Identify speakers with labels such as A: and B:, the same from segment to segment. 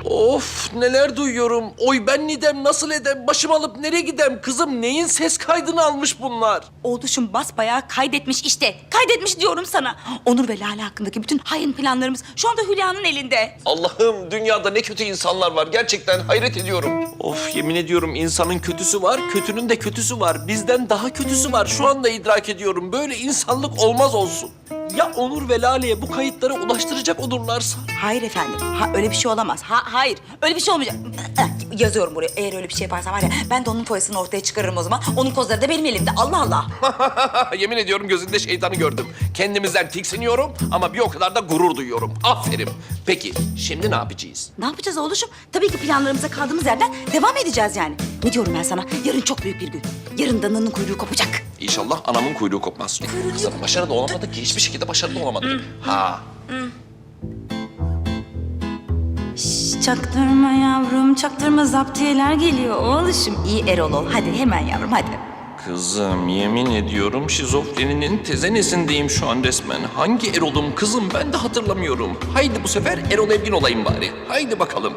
A: Of neler duyuyorum. Oy ben nidem nasıl edem? Başım alıp nereye gidem? Kızım neyin ses kaydını almış bunlar?
B: Oğluşum basbayağı kaydetmiş işte. Kaydetmiş diyorum sana. Onur ve Lale hakkındaki bütün hain planlarımız şu anda Hülya'nın elinde.
A: Allah'ım dünyada ne kötü insanlar var. Gerçekten hayret ediyorum. Of yemin ediyorum insanın kötüsü var, kötünün de kötüsü var. Bizden daha kötüsü var. Şu anda idrak ediyorum. Böyle insanlık olmaz olsun. Ya Onur ve Lale'ye bu kayıtları ulaştıracak olurlarsa?
B: Hayır efendim. Öyle bir şey olamaz. Hayır. Öyle bir şey olmayacak. Yazıyorum buraya. Eğer öyle bir şey yaparsa var ya ben de onun foyasını ortaya çıkarırım o zaman. Onun kozları da benim elimde. Allah Allah.
A: Yemin ediyorum gözünde şeytanı gördüm. Kendimizden tiksiniyorum ama bir o kadar da gurur duyuyorum. Aferin. Peki şimdi ne yapacağız?
B: Ne yapacağız oğluşum? Tabii ki planlarımıza kaldığımız yerden devam edeceğiz yani. Ne diyorum ben sana? Yarın çok büyük bir gün. Yarın dananın kuyruğu kopacak.
A: İnşallah anamın kuyruğu kopmaz. Kızım başarılı olamadık ki. Hiçbir şekilde başarılı olamadık. Ha.
B: Çaktırma yavrum, çaktırma zaptiyeler geliyor oğluşum. İyi Erol ol. Hadi hemen yavrum hadi.
A: Kızım yemin ediyorum şizofreninin tezenesindeyim şu an resmen. Hangi Erol'um kızım ben de hatırlamıyorum. Haydi bu sefer Erol Evgin olayım bari. Haydi bakalım.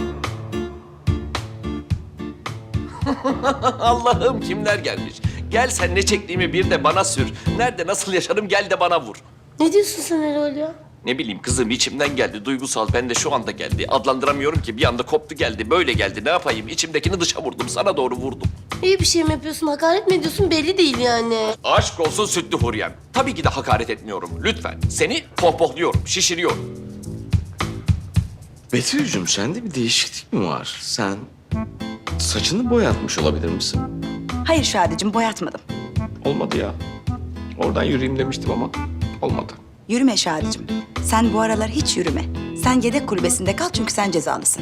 A: Allah'ım kimler gelmiş. Gel sen ne çektiğimi bir de bana sür. Nerede nasıl yaşarım gel de bana vur.
C: Ne diyorsun sen Erol ya?
A: Ne bileyim kızım içimden geldi. Duygusal ben de şu anda geldi. Adlandıramıyorum ki bir anda koptu geldi. Böyle geldi ne yapayım? İçimdekini dışa vurdum. Sana doğru vurdum.
C: İyi bir şey mi yapıyorsun, hakaret mi ediyorsun belli değil yani.
A: Aşk olsun sütlü Huriyem. Tabii ki de hakaret etmiyorum. Lütfen. Seni pohpohluyorum, şişiriyorum.
D: Betül'cüm sende bir değişiklik mi var? Sen saçını boyatmış olabilir misin?
B: Hayır Şadi'cim boyatmadım.
D: Olmadı ya. Oradan yürüyeyim demiştim ama olmadı.
B: Yürüme Şadi'cim. Sen bu aralar hiç yürüme. Sen yedek kulübesinde kal çünkü sen cezalısın.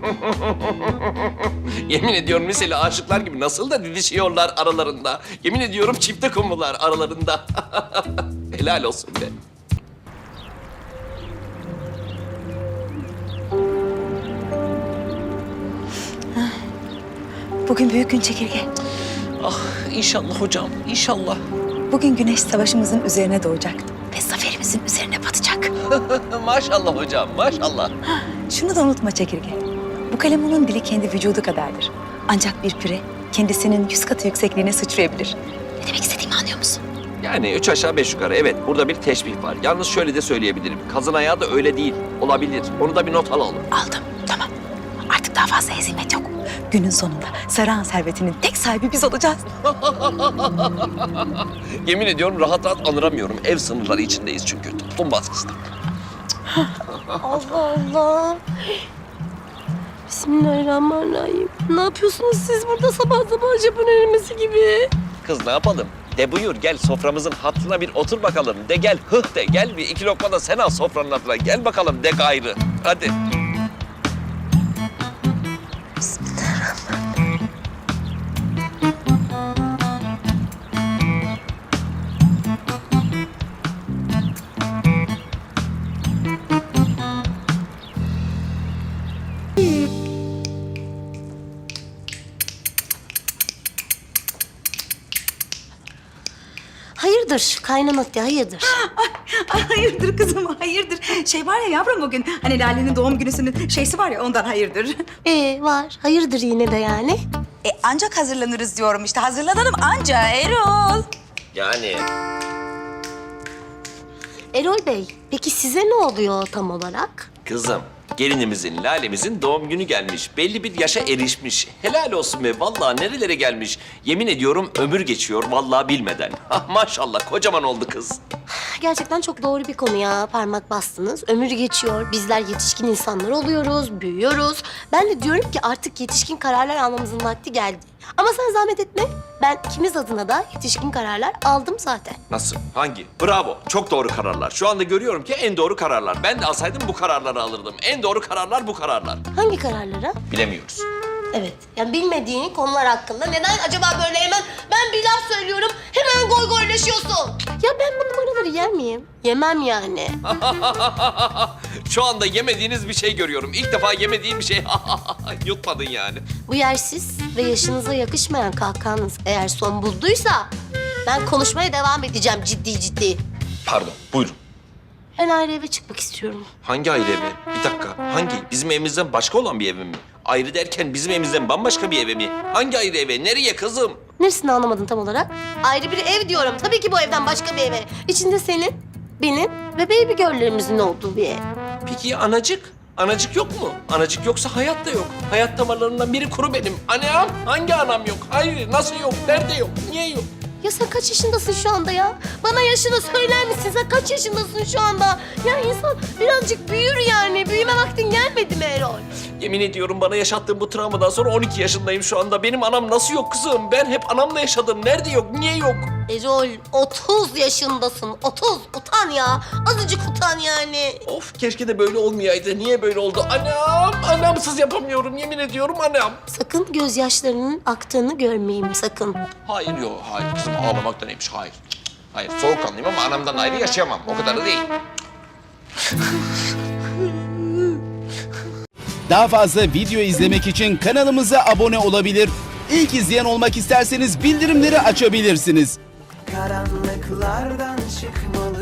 A: Yemin ediyorum liseli aşıklar gibi nasıl da didişiyorlar aralarında. Yemin ediyorum çifte kumrular aralarında. Helal olsun be.
B: Bugün büyük gün çekirge.
A: Ah inşallah hocam, inşallah.
B: Bugün güneş savaşımızın üzerine doğacak. Ve zaferimizin üzerine batacak.
A: Maşallah hocam, maşallah.
B: Şunu da unutma çekirge. Bu kalemunun dili kendi vücudu kadardır. Ancak bir püre kendisinin 100 katı yüksekliğine sıçrayabilir. Ne demek istediğimi anlıyor musun?
A: Yani 3 aşağı 5 yukarı evet burada bir teşbih var. Yalnız şöyle de söyleyebilirim. Kazın ayağı da öyle değil. Olabilir. Onu da bir not alalım.
B: Aldım. Tamam. Artık daha fazla hezimet yok. Günün sonunda Saruhan servetinin tek sahibi biz olacağız.
A: Yemin ediyorum rahat rahat anıramıyorum. Ev sınırları içindeyiz çünkü. Toplum baskısı.
C: Allah Allah. Bismillahirrahmanirrahim. Ne yapıyorsunuz siz burada sabah sabah Japon erimesi gibi?
A: Kız ne yapalım? De buyur gel soframızın hattına bir otur bakalım. De gel hıh de gel bir iki lokma da sen al sofranın hattına. Gel bakalım de gayrı. Hadi.
C: Hayırdır kaynanat ya hayırdır?
B: Ay, hayırdır kızım hayırdır. Şey var ya yavrum bugün hani Lale'nin doğum günüsünün şeysi var ya ondan hayırdır.
C: Var. Hayırdır yine de yani.
B: Ancak hazırlanırız diyorum işte. Hazırlanalım anca Erol.
A: Yani
C: Erol Bey, peki size ne oluyor tam olarak?
A: kızım gelinimizin, lalemizin doğum günü gelmiş. Belli bir yaşa erişmiş. Helal olsun be. Vallahi nerelere gelmiş. Yemin ediyorum ömür geçiyor vallahi bilmeden. Ah maşallah kocaman oldu kız.
C: Gerçekten çok doğru bir konu ya. Parmak bastınız. Ömür geçiyor. Bizler yetişkin insanlar oluyoruz, büyüyoruz. Ben de diyorum ki artık yetişkin kararlar almamızın vakti geldi. Ama sen zahmet etme. Ben ikimiz adına da yetişkin kararlar aldım zaten.
A: Nasıl? Hangi? Bravo. Çok doğru kararlar. Şu anda görüyorum ki en doğru kararlar. Ben de alsaydım bu kararları alırdım. En doğru kararlar bu kararlar.
C: Hangi kararlara?
A: Bilemiyoruz.
C: Evet. Yani bilmediğin konular hakkında neden acaba böyle hemen ben bir laf söylüyorum hemen goy goylaşıyorsun? Ya ben bu numaraları yer miyim? Yemem yani.
A: Şu anda yemediğiniz bir şey görüyorum. İlk defa yemediğim bir şey. Yutmadın yani.
C: Bu yersiz ve yaşınıza yakışmayan kahkahanız eğer son bulduysa ben konuşmaya devam edeceğim ciddi ciddi.
A: Pardon. Buyurun.
C: Ben ayrı eve çıkmak istiyorum.
A: Hangi ayrı eve? Bir dakika. Hangi? Bizim evimizden başka olan bir eve mi? Ayrı derken bizim evimizden bambaşka bir eve mi? Hangi ayrı eve? Nereye kızım?
C: Neresini anlamadın tam olarak? Ayrı bir ev diyorum. Tabii ki bu evden başka bir eve. İçinde senin, benim ve baby girl'lerimizin olduğu bir ev.
A: Peki ya anacık? Anacık yok mu? Anacık yoksa hayat da yok. Hayat damarlarından biri kuru benim. Anam? Hangi anam yok? Hayır, nasıl yok? Nerede yok? Niye yok?
C: Ya sen kaç yaşındasın şu anda ya? Bana yaşını söyler misin? Sen kaç yaşındasın şu anda? Ya insan birazcık büyür yani. Büyüme vaktin gelmedi mi Erol?
A: Yemin ediyorum bana yaşattığım bu travmadan sonra 12 yaşındayım şu anda. Benim anam nasıl yok kızım? Ben hep anamla yaşadım. Nerede yok? Niye yok?
C: Erol 30 yaşındasın. 30. Utan ya. Azıcık utan yani.
A: Of keşke de böyle olmayaydı. Niye böyle oldu? Anam! Anamsız yapamıyorum. Yemin ediyorum anam.
C: Sakın gözyaşlarının aktığını görmeyeyim sakın.
A: Hayır yok. Hayır kızım ağlamak da neymiş? Hayır. Hayır soğukkanlıyım ama anamdan ayrı yaşayamam. O kadar da değil.
E: Daha fazla video izlemek için kanalımıza abone olabilir. İlk izleyen olmak isterseniz bildirimleri açabilirsiniz.
F: Karanlıklardan çıkmalı